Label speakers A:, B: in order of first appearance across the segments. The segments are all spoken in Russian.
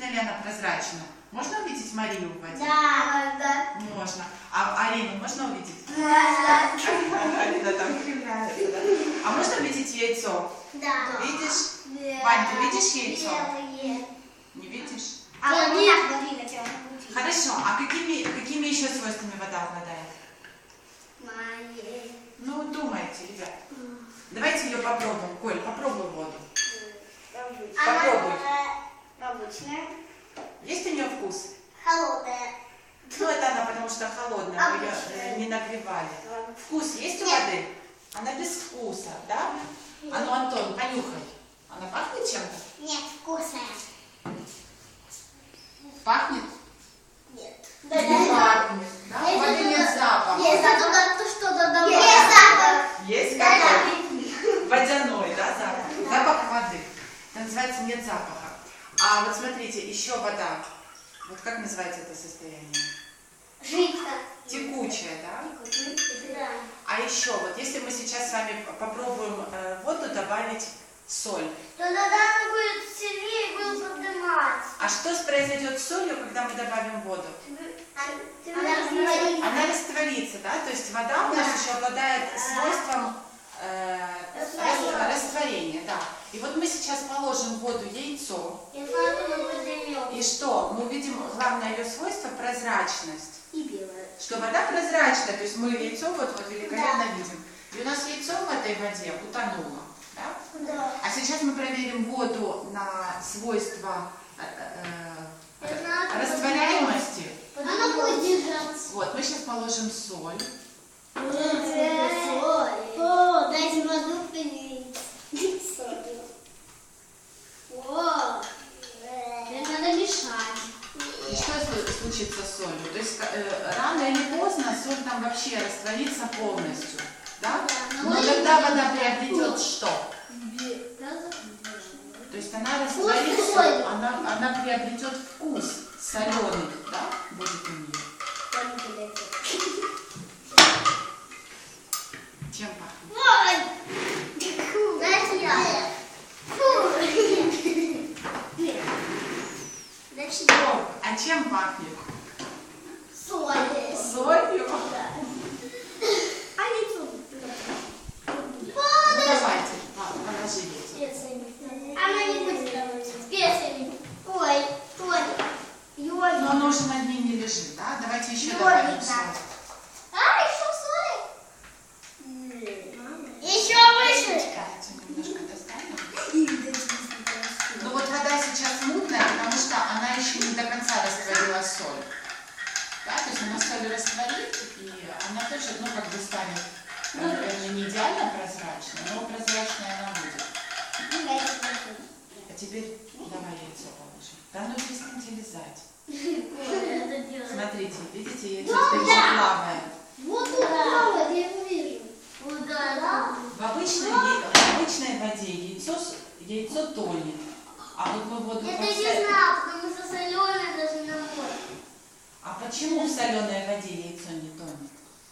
A: Действительно ли она прозрачна? Можно увидеть Марию в воде?
B: Да.
A: Можно. А Арину можно увидеть?
B: Да.
A: Арина там кривляется, да? А можно увидеть яйцо?
B: Да.
A: Видишь? Вань, ты видишь яйцо?
B: Белые.
A: Не видишь?
B: Хорошо.
A: Хорошо. А какими еще свойствами вода обладает?
B: Мои.
A: Ну, думайте, ребят. Давайте ее попробуем. Коль, попробуй воду. Попробуй.
B: Обычная.
A: Есть у нее вкус?
B: Холодная.
A: Ну, это она, потому что холодная, мы ее не нагревали. Вкус есть у воды? Она без вкуса, да? А ну, Антон, понюхай. Она пахнет чем-то?
B: Нет, вкусная.
A: Пахнет?
B: Нет.
A: Не пахнет, да? У воды нет запаха.
B: Есть что-то добавить. Есть запах.
A: Есть какой? Водяной, да, запах? Запах воды. Это называется нет запаха. А вот смотрите, еще вода. Вот как называется это состояние?
B: Жидкая.
A: Текучая, да?
B: Да.
A: А еще, вот если мы сейчас с вами попробуем в воду добавить соль.
B: То тогда она будет сильнее и будет подниматься.
A: А что произойдет с солью, когда мы добавим воду?
B: Она растворится.
A: Она растворится, да? То есть вода у нас еще обладает свойством растворения, да. И вот мы сейчас положим в воду яйцо. И что? Мы увидим главное ее свойство – прозрачность.
B: И белая.
A: Что вода прозрачная, то есть мы яйцо вот великолепно видим. И у нас яйцо в этой воде утонуло. Да?
B: Да.
A: А сейчас мы проверим воду на свойства растворяемости.
B: Она будет держаться.
A: Вот, мы сейчас положим соль.
B: О, дайте воду принять. О, это надо мешать.
A: И что случится с солью? То есть рано или поздно соль там вообще растворится полностью. Да? Но тогда вода приобретет что? То есть она растворится, она приобретет вкус соленый, да? Будет у нее. Чем пахнет?
B: Дайте я.
A: А чем пахнет?
B: Соль.
A: Солью?
B: А яйцо?
A: Ну, давайте, положи яйцо.
B: Она не будет давать. Специями. Ой, Толя.
A: Но оно уже на дне не лежит, да? Давайте еще
B: Йодик,
A: добавим
B: да.
A: соль.
B: Еще соль? Еще выше.
A: Давайте немножко достанем. Ну вот вода сейчас мутная, потому что она еще не до конца растворила соль. Да, то есть она соль растворит, и она тоже, ну, как бы станет, наверное, не идеально прозрачной, но прозрачная она будет. А теперь давай яйцо положим. Да ну перестаньте лизать. Смотрите, видите, яйцо теперь плавает.
B: Вот тут плавает, я его вижу.
A: В обычной воде яйцо тонет. А вот мы воду
B: Это
A: поставим.
B: не знаю, потому что соленая даже на море.
A: А почему в соленой воде яйцо не тонет?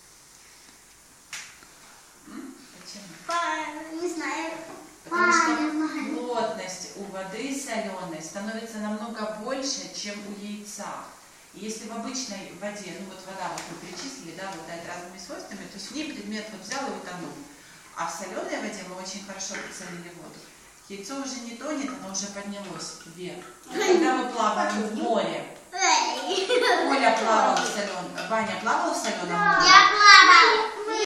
A: Почему?
B: Не знаю.
A: Потому что плотность у воды соленой становится намного больше, чем у яйца. И если в обычной воде, ну вот вода, вот мы перечислили, да, обладает разными свойствами, то есть в ней предмет вот взял и утонул. А в соленой воде мы очень хорошо прицелили воду. Яйцо уже не тонет, оно уже поднялось вверх. И когда мы плаваем в море, Оля плавала в соленом, Ваня плавал в соленом море?
B: Я плавал.